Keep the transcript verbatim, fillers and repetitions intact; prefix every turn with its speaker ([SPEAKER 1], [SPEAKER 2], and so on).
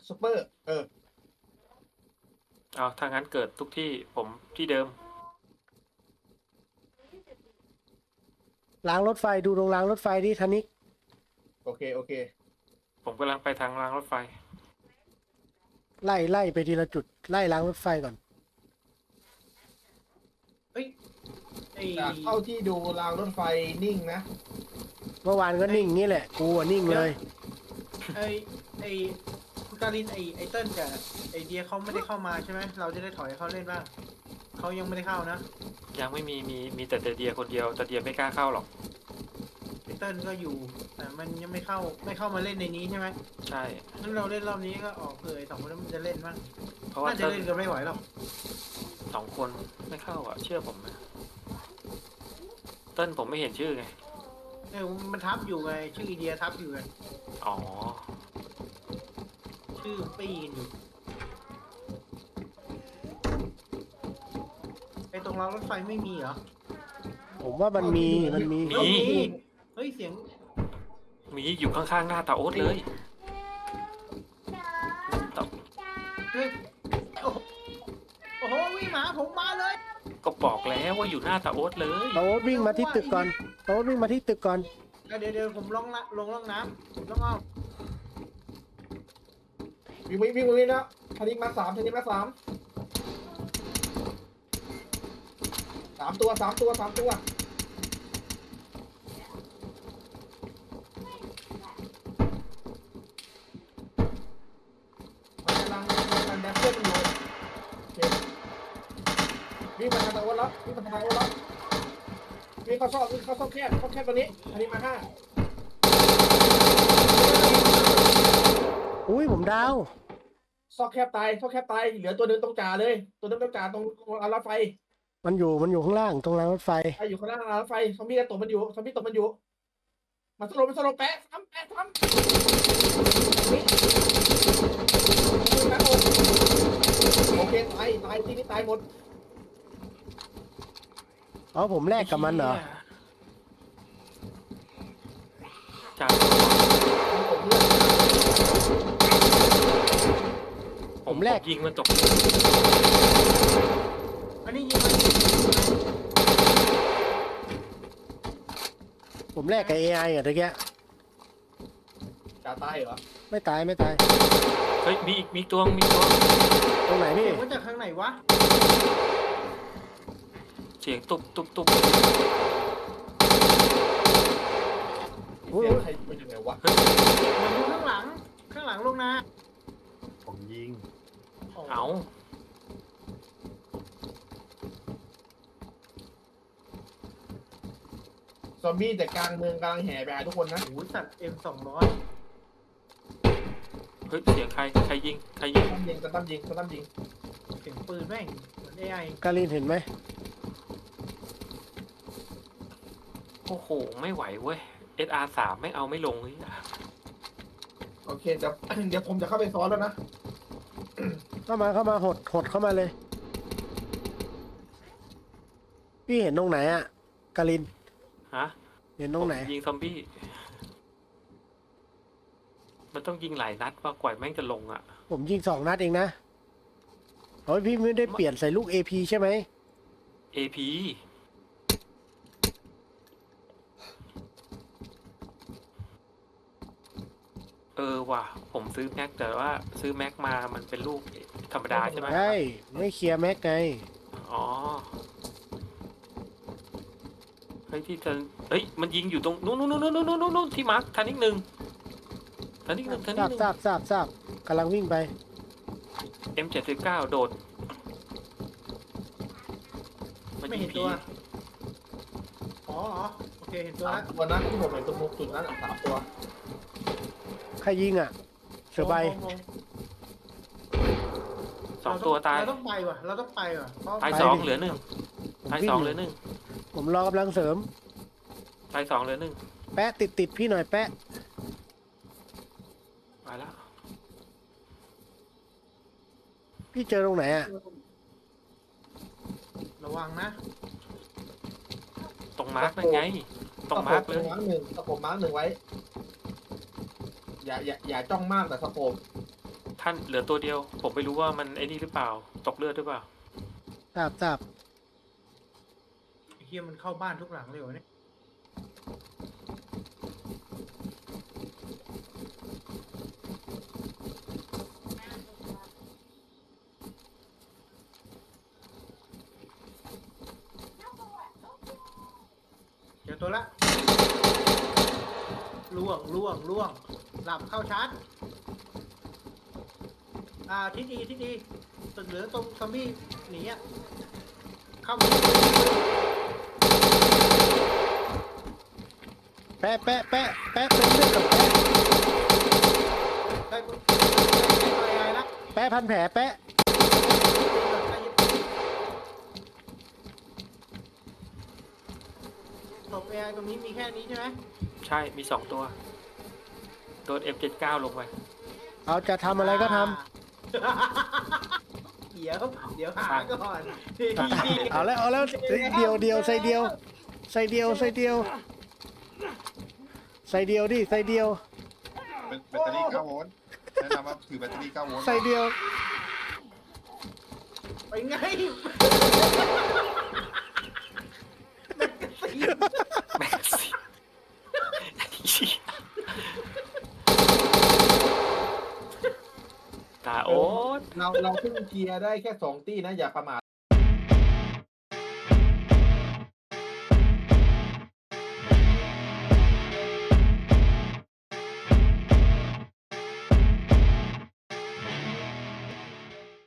[SPEAKER 1] ซูเปอร์เออ
[SPEAKER 2] เอาถ้างั้นเกิดทุกที่ผมที่เดิม
[SPEAKER 3] รางรถไฟดูตรงรางรถไฟดิธนิก
[SPEAKER 1] โอเคโอเค
[SPEAKER 2] ผมกำลังไปทางรางรถไฟ
[SPEAKER 3] ไล่ไล่ไปทีละจุดไล่รางรถไฟก่อน
[SPEAKER 4] เฮ้ยไอ้
[SPEAKER 1] จากเข้าที่ดูรางรถไฟนิ่งนะ
[SPEAKER 3] เมื่อวานก็นิ่งงี้แหละกูอะนิ่งเลย
[SPEAKER 4] ไอ้ไอ้คุณการินไอ้ไอ้เติ้ลกับไอ้เดียเขาไม่ได้เข้ามาใช่ไหมเราจะได้ถอยเขาเล่นบ้างเขายังไม่ได้เข้านะ
[SPEAKER 2] ยังไม่มีมีมีแต่เดียคนเดียวแต่เดียไม่กล้าเข้าหรอก
[SPEAKER 4] ไอ้เติ้ลก็อยู่แต่มันยังไม่เข้าไม่เข้ามาเล่นในนี้ใช่ไหม
[SPEAKER 2] ใช่
[SPEAKER 4] งั้นเราเล่นรอบนี้ก็ออกเผื่อไอ้สองคนนั้นมันจะเล่นบ้าง
[SPEAKER 2] เพราะว่า
[SPEAKER 4] น่าจะ
[SPEAKER 2] เติ้ล
[SPEAKER 4] เล่นกันไม่ไหวหรอก
[SPEAKER 2] สองคนไม่เข้าอ่ะ เชื่อผมนะเติ้ลผมไม่เห็นชื่อไง
[SPEAKER 4] เออมันทับอยู่ไงชื่อไอเดียทับอยู่ไง
[SPEAKER 2] อ๋อ
[SPEAKER 4] ชื่อปีนอยู่ไอ้ตรงรางรถไฟไม่มีเหรอ
[SPEAKER 3] ผมว่ามันมีมันมี
[SPEAKER 2] มี
[SPEAKER 4] เอ้าเฮ้ยเสียง
[SPEAKER 2] มีอยู่ข้างๆหน้าตาโอ๊ตเลยต
[SPEAKER 4] เฮ้ยโอ้โหโอ้โหวิ่งหมาผมมาเลย
[SPEAKER 2] ก็บอกแล้วว่าอยู่หน้าตาโอ๊ตเลย
[SPEAKER 3] โต๊ดวิ่งมาที่ตึกก่อนโต๊ดวิ่งมาที่ตึกก่อน
[SPEAKER 4] เดี๋ยวเดี๋ยวผมลงละลงล่องน้ำผมต้องเอา
[SPEAKER 1] วิ่งวิ่งวิ่งวิ่งนะทันิกมาสามทันิกมาสามสามตัวสามตัวสามตัวมันกำลังมันแดนเซอร์อยู่โอเควิ่งมาทางตะวันแล้ววิ่งมาทางตะวันแล้ววิ่งเข้าซอกวิ่งเข้าซอกแคบซอกแคบตัวนี้ทันิกมาห้า
[SPEAKER 3] อุ้ยผมดาว
[SPEAKER 1] ซอกแคบตายซอกแคบตายเหลือตัวเดินตรงจ่าเลย ตัวเดินตรงจ่าตรงรางรถไฟ
[SPEAKER 3] มันอยู่มันอยู่ข้างล่างตรงรางรถไฟ
[SPEAKER 1] ไออยู่ข้างล่างรางรถไฟซอมบี้ตกมันอยู่ซอมบี้ตกมันอยู่มาสโลว์มาสโลว์แปะซ้ำแปะซ้ำนี่โอเคตายตายที่นี่ตายหมด
[SPEAKER 3] อ๋อผมแลกกับมันเหรอ
[SPEAKER 2] จ้า
[SPEAKER 1] ผมเลือก
[SPEAKER 2] ผมแรกยิงมันตก
[SPEAKER 4] อันนี้ยิงมัน
[SPEAKER 3] ผมแลกกับ เอ ไอ อ่ะตะเกีย
[SPEAKER 1] จ่าตายเหรอ
[SPEAKER 3] ไม่ตายไม่ตาย
[SPEAKER 2] เฮ้ยมีอีกมีตัวมีตัว
[SPEAKER 3] ตรงไหนพี่
[SPEAKER 4] เสียงมาจากข้างไหนวะ
[SPEAKER 2] เสียงตุบตุบตุบ
[SPEAKER 3] อุ้ย
[SPEAKER 1] เสียงใครเป็นยังไงวะ
[SPEAKER 4] มันอยู่ข้างหลัง ข้างหลังลงนา
[SPEAKER 1] ผมยิง
[SPEAKER 2] เอา
[SPEAKER 1] ซอมบี้แต่กลางเมืองกำลังแห่ไปหาทุกคนนะ
[SPEAKER 4] โอ้โหสัตว์เอ็มสองร้อย
[SPEAKER 2] เฮ้ยเสียงใครใครยิงใครยิง
[SPEAKER 1] ตั้มยิงตั้มยิงตั้มยิง
[SPEAKER 4] เสียงปืนแม่งเหมือนเอไอ
[SPEAKER 3] การินเห็นไหม
[SPEAKER 2] โอ้โหไม่ไหวเว้ย เอส อาร์ สามไม่เอาไม่ลงเลย
[SPEAKER 1] โอเคเดี๋ยวเดี๋ยวผมจะเข้าไปซ้อนแล้วนะ
[SPEAKER 3] เข้ามาเข้ามาหดหดเข้ามาเลย พี่เห็นตรงไหนอ่ะการิน
[SPEAKER 2] ฮะ
[SPEAKER 3] เห็นตรงไหน
[SPEAKER 2] ผมยิงซอมบี้ มันต้องยิงหลายนัดว่ากว่าแม่งจะลงอ่ะ
[SPEAKER 3] ผมยิงสองนัดเองนะโอ้ยพี่ไม่ได้เปลี่ยนใส่ลูก เอ พี ใช่ไหม
[SPEAKER 2] เอ พี เออว่ะ ผมซื้อแม็กแต่ว่าซื้อแม็กมามันเป็นลูกธรรมดาใช่ไหม
[SPEAKER 3] ใช่ไม่เคลียร์แม็กไง
[SPEAKER 2] อ๋อ เฮ้ยที่จะเฮ้ยมันยิงอยู่ตรงนู้นนู้นนู้นนู้นนู้นนู้นที่มาร์คทันนิดหนึ่งทันนิดหนึ่งทัน
[SPEAKER 3] ท
[SPEAKER 2] นิ
[SPEAKER 3] รา
[SPEAKER 2] ด
[SPEAKER 3] บ
[SPEAKER 2] หนึ่ง
[SPEAKER 3] ทราบทราบทราบกำลังวิ่งไป
[SPEAKER 2] เอ็มเจ็ดสิบเก้าโดด
[SPEAKER 4] ไม่เห็นตัว อ๋ออ๋อโอเคเห็นตัว
[SPEAKER 1] สาม
[SPEAKER 4] แล้ว
[SPEAKER 1] ตัวนั้นที่ผมเห็นตรงมุมจุดนั้นอะสามตัว
[SPEAKER 3] ใครยิงอ่ะ เสือใบ
[SPEAKER 4] งง
[SPEAKER 2] สองตัวตาย
[SPEAKER 4] เราต้องไปว่ะ เราต้องไปว่ะเพราะ
[SPEAKER 2] ตาย
[SPEAKER 3] ไป
[SPEAKER 2] สอง
[SPEAKER 3] ดิ
[SPEAKER 2] เหลือหนึ่ง
[SPEAKER 3] ผม
[SPEAKER 2] ตาย
[SPEAKER 3] วิ่
[SPEAKER 2] สอง
[SPEAKER 3] ง
[SPEAKER 2] เหลือหนึ่ง
[SPEAKER 3] ผมรอกำลังเสริม
[SPEAKER 2] ตายสองเหลือหนึ่ง
[SPEAKER 3] แปะติดติดพี่หน่อยแปะ
[SPEAKER 2] มาแล้ว
[SPEAKER 3] พี่เจอตรงไหนอ่ะ
[SPEAKER 4] ระวังนะ
[SPEAKER 2] ตรงมาร์กนั่นไง ตรงมาร์ก
[SPEAKER 1] ส
[SPEAKER 2] เล
[SPEAKER 1] โคป
[SPEAKER 2] ย
[SPEAKER 1] มาร์กหนึ่งสโคปมาร์กหนึ่งไว้ อย่าอย่าอย่าจ้องมากแต่สโคป
[SPEAKER 2] ท่านเหลือตัวเดียว ผมไม่รู้ว่ามันไอ้นี่หรือเปล่า ตกเลือดหรือเปล่า
[SPEAKER 3] ทราบทราบ
[SPEAKER 4] ไอ้เฮียมันเข้าบ้านทุกหลังเลยวะเนี่ยเจอตัวละล่วงล่วงล่วงหลับเข้าชาร์จอ่าทิศดีทิศดีตึกเหลืองตรงซอมบี้หนีอ่ะเข้ามา
[SPEAKER 3] แปะแปะแปะแปะเป็นเรื่องกับแปะ
[SPEAKER 4] ได้ปุ๊บได้ไปละ
[SPEAKER 3] แปะพันแผลแปะ
[SPEAKER 4] ตบ เอ ไอ ตรงนี้มีแค่นี้ใช่ไหม
[SPEAKER 2] ใช่ มีสองตัว โดน เอ็ม เจ็ดสิบเก้า ลงไป
[SPEAKER 3] เอาจะทำอะไรก็ท
[SPEAKER 4] เดี๋ยวเดี๋ยวหาก่อน
[SPEAKER 3] ำเอาแล้วเอาแล้วเดียวเดียวใส่เดียวใส่เดียวใส่เดียวใส่เดียวดิใส่เดียว
[SPEAKER 5] เป็นแบตเตอรี่เก้าโวลต์แนะนำว่าถือแบตเตอรี่เก้าโวลต์
[SPEAKER 3] ใส่เดียว
[SPEAKER 4] ไปไง
[SPEAKER 2] แม็กซี่ ตาโอ๊ต
[SPEAKER 1] เราเราขึ้นเกียร์ได้แค่สองตี้นะอย่าประมาท